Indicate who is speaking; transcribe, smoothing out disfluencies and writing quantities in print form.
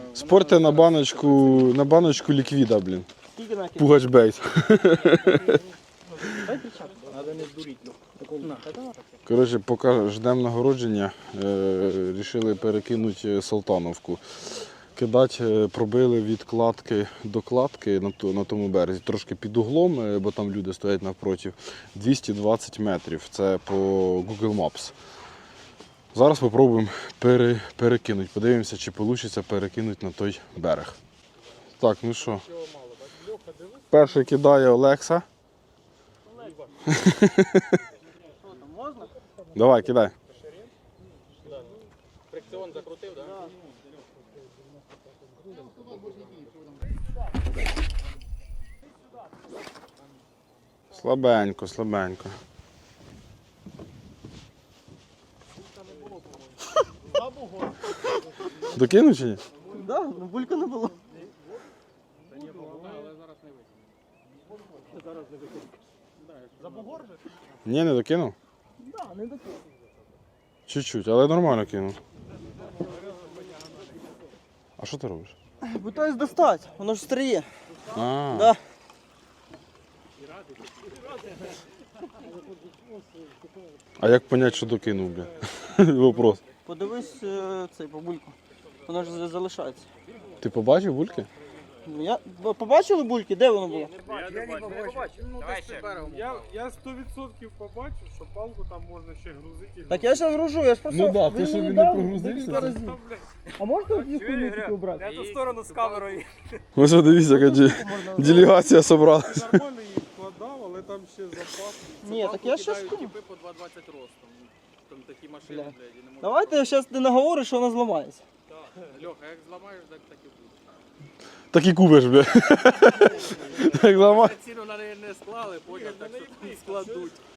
Speaker 1: Спорте на баночку ліквіда, блін. Пугач бейт. Коротше, поки ждемо нагородження, вирішили перекинути Салтановку. Кидати пробили від кладки до кладки на тому березі, трошки під углом, бо там люди стоять навпроти, 220 метрів, це по Google Maps. Зараз спробуємо перекинути, подивимося, чи вийде перекинути на той берег. Так, ну що, перший кидає Олекса. Давай, кидай.
Speaker 2: Фрикціон закрутив, так?
Speaker 1: Слабенько, слабенько. Докинув чи ні?
Speaker 3: Да, ну булька не було.
Speaker 1: Ні, не докинув?
Speaker 3: Да, не докинув.
Speaker 1: Чуть-чуть, але нормально кинув. А що ти робиш?
Speaker 3: Питаюсь достати, воно ж стріє.
Speaker 1: А,
Speaker 3: Да.
Speaker 1: а як зрозуміти, що докинув, бля? Вопрос.
Speaker 3: Подивись цей по бульку. Воно ж залишається.
Speaker 1: Ти побачив бульки?
Speaker 3: Ну, ви побачили бульки? Де воно було?
Speaker 2: Я не побачив. Давай ще.
Speaker 4: Я 100% побачив, що палку там можна ще грузити.
Speaker 3: Так я зараз гружу, я ж просто...
Speaker 1: Ну да,
Speaker 3: ви
Speaker 1: ти що,
Speaker 3: мені
Speaker 1: він не
Speaker 3: дали
Speaker 1: прогрузився?
Speaker 3: декілька разів. А можете от їх хуйню убрати?
Speaker 4: Я ту сторону з камерою.
Speaker 1: Ось дивіться, яка делегація зібралася.
Speaker 4: Нормально її вкладав, але там ще запас.
Speaker 3: Ні, так я щас...
Speaker 2: Кидають типи по 2,20 ростом. Там такі машини,
Speaker 3: Бля.
Speaker 2: блядь, і не можна.
Speaker 3: Давайте я зараз не наговорю, що вона зламається.
Speaker 2: Льоха, як зламаєш, так і буде.
Speaker 1: Так і кубиш, бля. Так ламай.
Speaker 2: Ціну на неї не склали, потім так що там складуть.